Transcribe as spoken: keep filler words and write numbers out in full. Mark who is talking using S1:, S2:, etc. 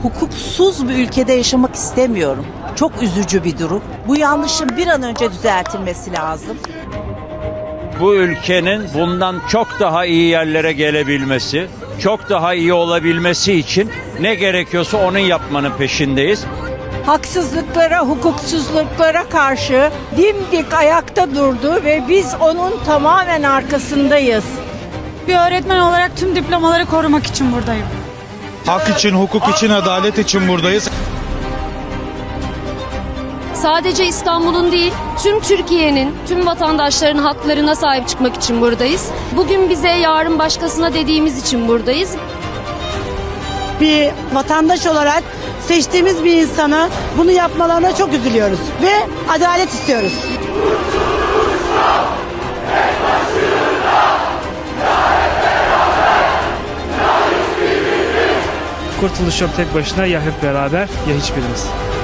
S1: hukuksuz bir ülkede yaşamak istemiyorum. Çok üzücü bir durum. Bu yanlışın bir an önce düzeltilmesi lazım.
S2: Bu ülkenin bundan çok daha iyi yerlere gelebilmesi, çok daha iyi olabilmesi için ne gerekiyorsa onun yapmanın peşindeyiz.
S3: Haksızlıklara, hukuksuzluklara karşı dimdik ayakta durdu ve biz onun tamamen arkasındayız.
S4: Bir öğretmen olarak tüm diplomaları korumak için buradayım.
S5: Hak için, hukuk için, adalet için buradayız.
S6: Sadece İstanbul'un değil, tüm Türkiye'nin, tüm vatandaşların haklarına sahip çıkmak için buradayız. Bugün bize, yarın başkasına dediğimiz için buradayız.
S3: Bir vatandaş olarak seçtiğimiz bir insana bunu yapmalarına çok üzülüyoruz ve adalet istiyoruz.
S7: Kurtuluş yok tek başına, ya hep beraber ya hiçbirimiz.